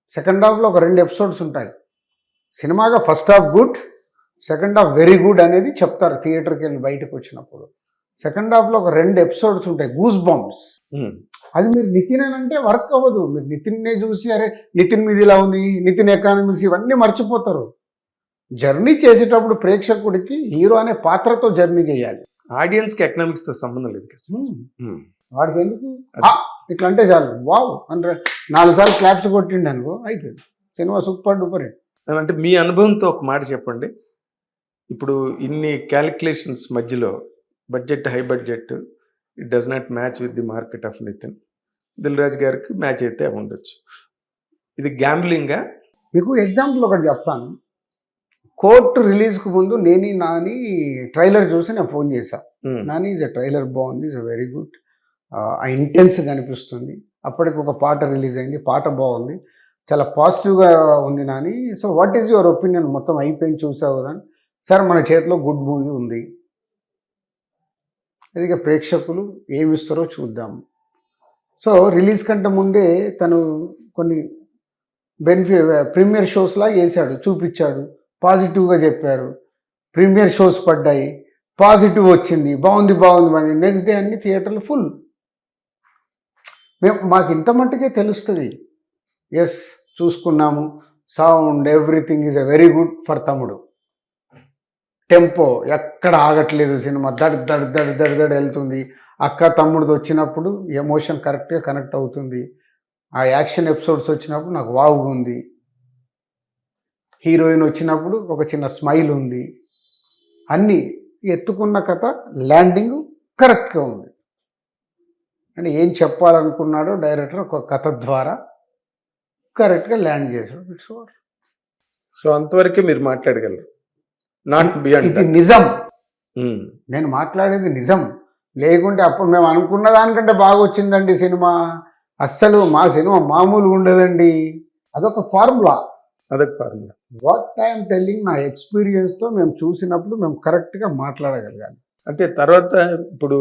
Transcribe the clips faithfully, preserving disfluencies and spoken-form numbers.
Second హాఫ్లో ఒక రెండు ఎపిసోడ్స్ ఉంటాయి. సినిమాగా first half good, second half very good అనేది చెప్తారు థియేటర్కి వెళ్ళి బయటకు వచ్చినప్పుడు. సెకండ్ హాఫ్లో ఒక రెండు ఎపిసోడ్స్ ఉంటాయి గూస్ బాంబ్స్. అది మీరు నితిన్ అని అంటే వర్క్ అవ్వదు. మీరు నితిన్నే చూసి అరే నితిన్ మీద ఇలా ఉంది, నితిన్ ఎకానమిక్స్ ఇవన్నీ మర్చిపోతారు. జర్నీ చేసేటప్పుడు ప్రేక్షకుడికి హీరో అనే పాత్రతో జర్నీ చేయాలి. ఆడియన్స్కి ఎకనామిక్స్తో సంబంధం లేదు కదా. వాడికి ఎందుకు ఇట్లా అంటే చాలు వావ్ అంటే నాలుగు సార్లు క్లాప్స్ కొట్టిండి అనుకో అయిపోయింది సినిమా సూపర్ డూపర్ హిట్. అంటే మీ అనుభవంతో ఒక మాట చెప్పండి. ఇప్పుడు ఇన్ని క్యాలిక్యులేషన్స్ మధ్యలో budget high budget it does not match with the market of Nithin. Dil Raju గారికి మ్యాచ్ అయితే ఉండొచ్చు. ఇది గ్యాంబ్లింగా? మీకు ఎగ్జాంపుల్ ఒకటి చెప్తాను. కోర్టు రిలీజ్కి ముందు నేని నాని ట్రైలర్ చూసి నేను ఫోన్ చేశాను. నాని ఈజ్ అ ట్రైలర్ బాగుంది, ఈజ్ అ వెరీ గుడ్, ఆ ఇంటెన్స్గా అనిపిస్తుంది. అప్పటికి ఒక పాట రిలీజ్ అయింది, పాట బాగుంది, చాలా పాజిటివ్గా ఉంది Nani. So what is your opinion? మొత్తం అయిపోయింది చూసావు కదా. సార్ మన చేతిలో గుడ్ మూవీ ఉంది, అది ప్రేక్షకులు ఏమిస్తారో చూద్దాం. సో రిలీజ్ కంటే ముందే తను కొన్ని బెనిఫి ప్రీమియర్ షోస్లా వేసాడు, చూపించాడు, పాజిటివ్గా చెప్పారు. ప్రీమియర్ షోస్ పడ్డాయి, పాజిటివ్ వచ్చింది, బాగుంది బాగుంది బాగుంది. నెక్స్ట్ డే అన్ని థియేటర్లు ఫుల్. మేము మాకు ఇంత మట్టుకే తెలుస్తుంది. ఎస్ చూసుకున్నాము, sound everything is a very good for Thammudu. Tempo ఎక్కడ ఆగట్లేదు, సినిమా దడ్ దడ్ దడ్ దడ్ దడ్ వెళ్తుంది. అక్క తమ్ముడిది వచ్చినప్పుడు ఎమోషన్ కరెక్ట్గా కనెక్ట్ అవుతుంది. ఆ యాక్షన్ ఎపిసోడ్స్ వచ్చినప్పుడు నాకు వావుగా ఉంది. హీరోయిన్ వచ్చినప్పుడు ఒక చిన్న స్మైల్ ఉంది. అన్నీ ఎత్తుకున్న కథ ల్యాండింగ్ కరెక్ట్గా ఉంది. అంటే ఏం చెప్పాలనుకున్నాడో డైరెక్టర్ ఒక కథ ద్వారా కరెక్ట్గా ల్యాండ్ చేశాడు. It's over. సో అంతవరకే మీరు మాట్లాడగలరు, నాట్ బియాండ్. ఇది నిజం, నేను మాట్లాడేది నిజం. లేకుంటే అప్పుడు మేము అనుకున్న దానికంటే బాగా వచ్చిందండి సినిమా. అస్సలు మా సినిమా మామూలుగా ఉండదండి. అదొక ఫార్ములా, అదొక ఫార్ములా. వాట్ ఐఎమ్ టెల్లింగ్ నా ఎక్స్పీరియన్స్తో మేము చూసినప్పుడు మేము కరెక్ట్గా మాట్లాడగలగాలి. అంటే తర్వాత ఇప్పుడు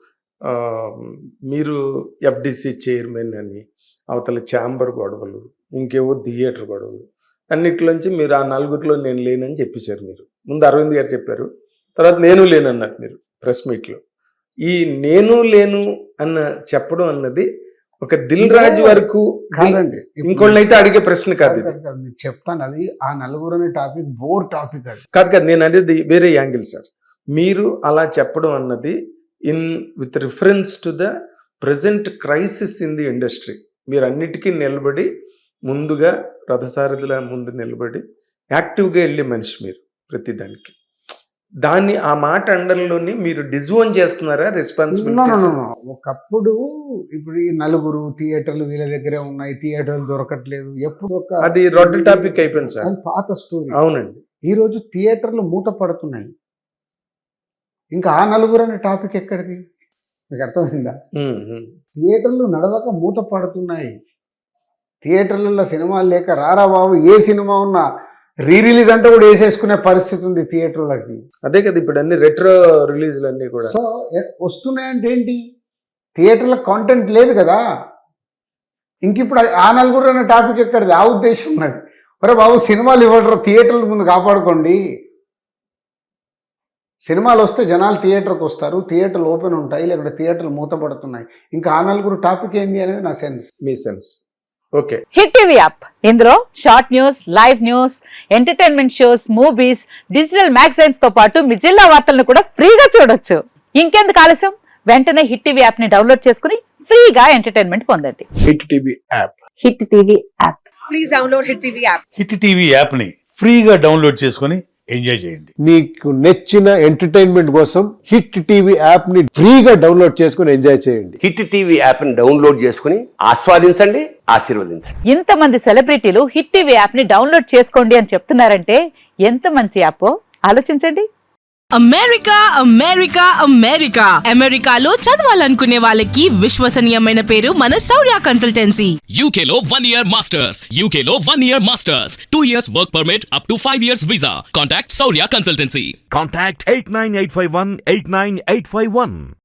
మీరు ఎఫ్డిసి చైర్మన్ అని, అవతల ఛాంబర్ గొడవలు, ఇంకేవో థియేటర్ గొడవలు, అన్నిట్లోంచి మీరు ఆ నలుగురిలో నేను లేనని చెప్పేశారు. మీరు ముందు అరవింద్ గారు చెప్పారు, తర్వాత నేను లేనన్నారు మీరు ప్రెస్ మీట్లో. ఈ నేను లేను అన్న చెప్పడం అన్నది ఒక దిల్ రాజు వరకు కాదండి, ఇంకోళ్ళని అయితే అడిగే ప్రశ్న కాదు. మీకు చెప్తాను, అది ఆ నలుగురు అనే టాపిక్ బోర్ టాపిక్. అది కాదు కాదు నేను అనేది వేరే యాంగిల్ సార్. మీరు అలా చెప్పడం అన్నది in with reference to the present crisis in the industry. మీరు అన్నిటికీ నిలబడి ముందుగా రథసారథుల ముందు నిలబడి యాక్టివ్గా వెళ్ళే మనిషి మీరు ప్రతిదానికి. దాన్ని ఆ మాట అండర్లోని మీరు డిజోన్ చేస్తున్నారా రెస్పాన్సిబిలిటీ? ఒకప్పుడు ఇప్పుడు ఈ నలుగురు థియేటర్లు వీళ్ళ దగ్గరే ఉన్నాయి, థియేటర్లు దొరకట్లేదు, ఎప్పుడు ఒక అది రొడ్డు టాపిక్ అయిపోయింది సార్, పాత స్టోరీ. అవునండి. ఈరోజు థియేటర్లు మూత పడుతున్నాయి, ఇంకా ఆ నలుగురు అనే టాపిక్ ఎక్కడిది? మీకు అర్థమైందా? థియేటర్లు నడవక మూత పడుతున్నాయి. థియేటర్లలో సినిమాలు లేక రారా బాబు ఏ సినిమా ఉన్నా రీ రిలీజ్ అంటే కూడా వేసేసుకునే పరిస్థితి ఉంది థియేటర్లకి. అదే కదా ఇప్పుడు అన్ని రెట్రో రిలీజ్లు అన్నీ కూడా. సో వస్తున్నాయంటే ఏంటి? థియేటర్ల కాంటెంట్ లేదు కదా. ఇంక ఇప్పుడు ఆ నలుగురు అనే టాపిక్ ఎక్కడిది? ఆ ఉద్దేశం ఉన్నది. ఒరే బాబు సినిమాలు ఇవ్వడరు, థియేటర్ల ముందు కాపాడుకోండి. సినిమాలు వస్తే జనాలు థియేటర్కి వస్తారు, థియేటర్లు ఓపెన్ ఉంటాయి, లేకుంటే థియేటర్లు మూతపడుతున్నాయి. ఇంకా ఆ నలుగురు టాపిక్ ఏంది అనేది నా సెన్స్. మీ sense. Okay. Hit TV app, ఇందులో short news, live news, entertainment shows, movies, digital magazines తో పాటు మీ జిల్లా వార్తలను కూడా ఫ్రీగా చూడొచ్చు. ఇంకెందుకు ఆలస్యం, వెంటనే హిట్ టీవీ యాప్ ని డౌన్లోడ్ చేసుకుని ఫ్రీగా ఎంటర్టైన్మెంట్ పొందండి. Hit TV app, hit TV app, please download hit TV app. Hit TV app ని ఫ్రీగా డౌన్లోడ్ చేసుకుని ఎంజాయ్ చేయండి. మీకు నచ్చిన ఎంటర్టైన్మెంట్ కోసం హిట్ టీవీ యాప్ ని ఫ్రీగా డౌన్లోడ్ చేసుకుని ఎంజాయ్ చేయండి. హిట్ టీవీ యాప్ ని డౌన్లోడ్ చేసుకుని ఆస్వాదించండి, ఆశీర్వదించండి. ఇంతమంది సెలబ్రిటీలు హిట్ టీవీ యాప్ ని డౌన్లోడ్ చేసుకోండి అని చెప్తున్నారంటే ఎంత మంచి యాప్ ఆలోచించండి. అమెరికా అమెరికా అమెరికా అమెరికాలో చదవాలనుకునే వాళ్ళకి విశ్వసనీయమైన పేరు మన శౌర్య కన్సల్టెన్సీ. యూకేలో వన్ ఇయర్ మాస్టర్స్, యూకేలో one year masters, two years work permit, up to five years visa. Contact Shaurya consultancy. Contact eight nine eight five one eight nine eight five one.